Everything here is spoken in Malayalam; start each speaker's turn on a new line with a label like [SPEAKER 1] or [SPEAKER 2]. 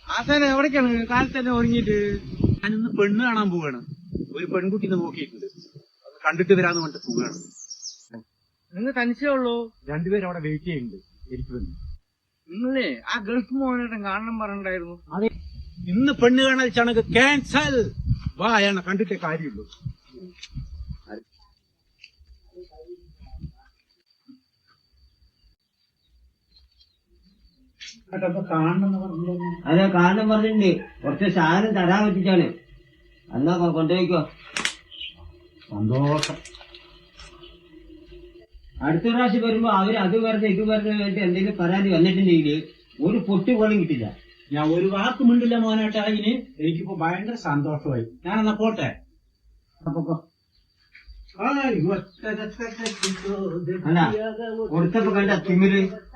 [SPEAKER 1] ആശാനെ എവിടേക്കാണ് കാലത്ത് തന്നെ ഒരുങ്ങിയിട്ട്?
[SPEAKER 2] ഞാനിന്ന് പെണ്ണ് കാണാൻ പോവാണ്. ഒരു പെൺകുട്ടിനെ നോക്കിയിട്ടുണ്ട്. അത് കണ്ടിട്ട് വരാന്ന് പറഞ്ഞിട്ട് പോവുകയാണ്.
[SPEAKER 1] നിങ്ങൾ തനിച്ചേ ഉള്ളൂ?
[SPEAKER 2] രണ്ടുപേരും അവിടെ വെയിറ്റ് ചെയ്യുന്നുണ്ട് എനിക്ക് വേണ്ടി.
[SPEAKER 1] നിങ്ങളേ ആ ഗൾഫ് മോഹനേട്ടൻ കാണണം പറഞ്ഞിട്ടുണ്ടായിരുന്നു.
[SPEAKER 2] അതെ, ഇന്ന് പെണ്ണ് കാണാൻ ചടങ്ങ് ക്യാൻസൽ. വാ, അയാളെ കണ്ടിട്ടേ കാര്യമുള്ളൂ.
[SPEAKER 3] അതെ, കാണണം പറഞ്ഞിട്ടുണ്ട്. കുറച്ച് സാധനം തരാൻ പറ്റിച്ചാണ്. എന്നാ കൊണ്ടുപോയിക്കോ.
[SPEAKER 2] സന്തോഷം.
[SPEAKER 3] അടുത്ത പ്രാവശ്യം വരുമ്പോ അവര് അത് വെറുതെ ഇത് വെറുതെ വേണ്ടി എന്തെങ്കിലും പരാതി വന്നിട്ടുണ്ടെങ്കിൽ ഒരു പൊട്ടി പോലും കിട്ടില്ല.
[SPEAKER 2] ഞാൻ ഒരു വാക്ക് മിണ്ടില്ല മോനായിട്ട്. അതിന് എനിക്കിപ്പോ ഭയങ്കര സന്തോഷമായി. ഞാനെന്നാ പോട്ടെ.
[SPEAKER 3] അല്ല കൊടുത്തപ്പോ കണ്ട തിമിര്